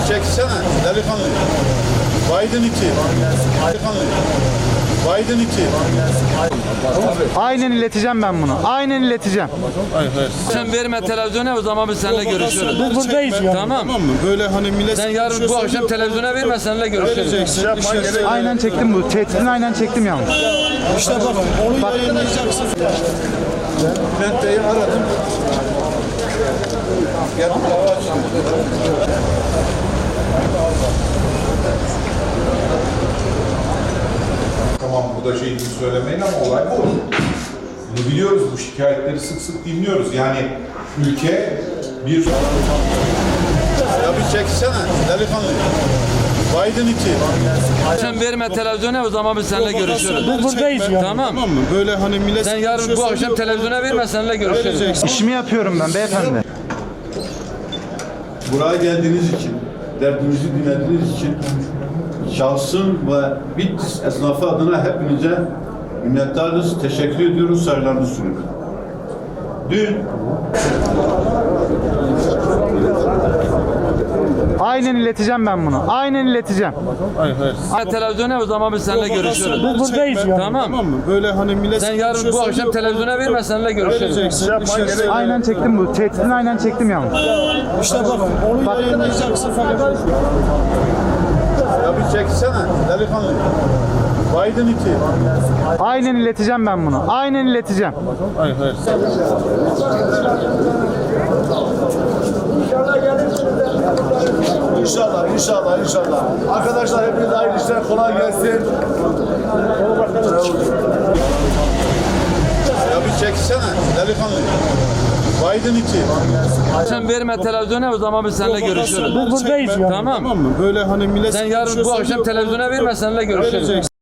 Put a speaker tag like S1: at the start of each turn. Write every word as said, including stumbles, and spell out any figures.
S1: çeksene delikanlı. Biden iki. Delikanlı. Biden iki.
S2: Aynen ileteceğim ben bunu. Aynen ileteceğim.
S3: Hayır hayır.
S4: Sen verme televizyona, o zaman biz seninle görüşürüz.
S3: Biz buradayız ya.
S4: Tamam.
S3: Tamam mı? Böyle hani millet
S4: Sen yarın bu akşam televizyona verme, seninle görüşürüz.
S3: vereceksin. İşte,
S2: Aynen çektim bu. Tehditini aynen çektim yalnız.
S3: işte bak onu yayınlayacaksın.
S1: Ben de aradım. Gel dava açtım.
S5: Tamam bu da şey gibi söylemeyin ama olay bu. Bunu biliyoruz, bu şikayetleri sık sık dinliyoruz. Yani ülke bir...
S1: Ya bir çeksene delikanlı. Biden iki.
S4: Sen verme televizyona, o zaman biz seninle görüşürüz.
S3: Biz buradayız ya.
S4: Tamam.
S3: Tamam mı? Böyle hani millet
S4: Sen yarın bu akşam televizyona verme, seninle görüşürüz.
S3: vereceksin.
S2: İşimi yapıyorum ben beyefendi.
S1: Buraya geldiğiniz için, derdimizi dinlediğiniz için şahsım ve Bitlis esnafı adına hepinize minnettarız, teşekkür ediyoruz, saygılarımızı sunuyoruz. Dün
S2: Aynen ileteceğim ben bunu. Aynen ileteceğim.
S3: Hayır hayır.
S4: Verme televizyona, o zaman biz seninle görüşürüz.
S3: Biz buradayız ya.
S4: Tamam.
S3: Tamam mı? Böyle hani millet
S4: Sen yarın bu akşam televizyona verme, seninle görüşürüz.
S3: vereceksin. İşte,
S2: Aynen çektim bu. Tehditini aynen çektim yalnız.
S3: işte bak onu yayınlayacaksın falan.
S1: ya bir çeksene delikanlı. Biden iki.
S2: Aynen ileteceğim ben bunu. Aynen ileteceğim.
S3: Hayır hayır.
S6: İnşallah, inşallah, inşallah. Arkadaşlar hepinize hayırlı işler, kolay gelsin.
S1: Ya bir çeksene delikanlı. Biden iki.
S4: Sen verme televizyona, o zaman biz seninle görüşürüz.
S3: Biz buradayız ya.
S4: Tamam.
S3: Tamam mı? Böyle hani millet
S4: Sen yarın bu akşam televizyona verme, seninle görüşürüz.
S3: vereceksin.